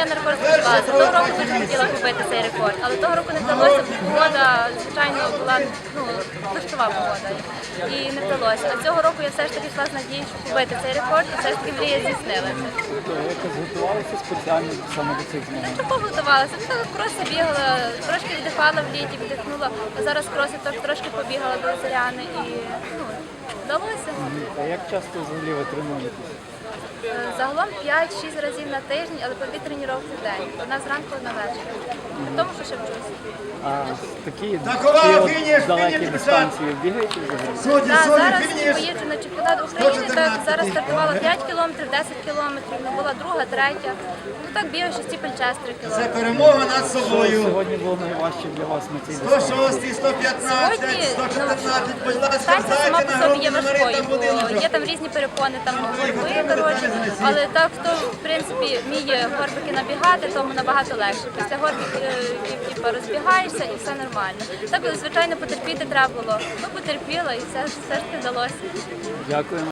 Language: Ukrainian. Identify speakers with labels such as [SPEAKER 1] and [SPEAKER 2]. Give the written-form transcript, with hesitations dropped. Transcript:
[SPEAKER 1] на рекорд сподівалася. Того року дуже хотіла побити цей рекорд, але того року не вдалося, бо погода, звичайно, була дощова погода і не вдалося. А цього року я все ж таки йшла з надією, що побити цей рекорд, і все ж таки мрія здійснилася.
[SPEAKER 2] Якось готувалася спеціально саме до цих змагань?
[SPEAKER 1] Чого готувалася? Так кроси бігала, трошки віддихала в літі, віддихнула, а зараз кроси трошки побігала до Зоряни і вдалося.
[SPEAKER 2] А як часто взагалі ви тренуєтесь?
[SPEAKER 1] Загалом 5-6 разів на тиждень, але по 2 тренування в день. Одна зранку, одна ввечері. Тому що ще вчусь.
[SPEAKER 2] А такі далекі дистанції бігаєте взагалі?
[SPEAKER 1] Так, зараз поїжджу на чемпіонат України, так, зараз стартувала 5 кілометрів, 10 кілометрів, була друга, третя. Ну так бігаю 6 час 3
[SPEAKER 3] Це
[SPEAKER 1] кілометри.
[SPEAKER 3] перемога над
[SPEAKER 2] Що
[SPEAKER 3] собою.
[SPEAKER 2] сьогодні було найважче для вас на цій дистанції?
[SPEAKER 3] 106, 115, 114, будь ласка,
[SPEAKER 1] Дистанція сама
[SPEAKER 3] здайте
[SPEAKER 1] по
[SPEAKER 3] на
[SPEAKER 1] собі є
[SPEAKER 3] грудні
[SPEAKER 1] важкою,
[SPEAKER 3] Марина
[SPEAKER 1] бо
[SPEAKER 3] будиночок.
[SPEAKER 1] є там різні перепони, там горби, коротше, але так, хто в принципі вміє горбики набігати, тому набагато легше. Після горбиків розбігаєшся і все нормально. Так, звичайно, потерпіти треба було. Ну, потерпіла і все ж таки вдалося.
[SPEAKER 2] Дякую.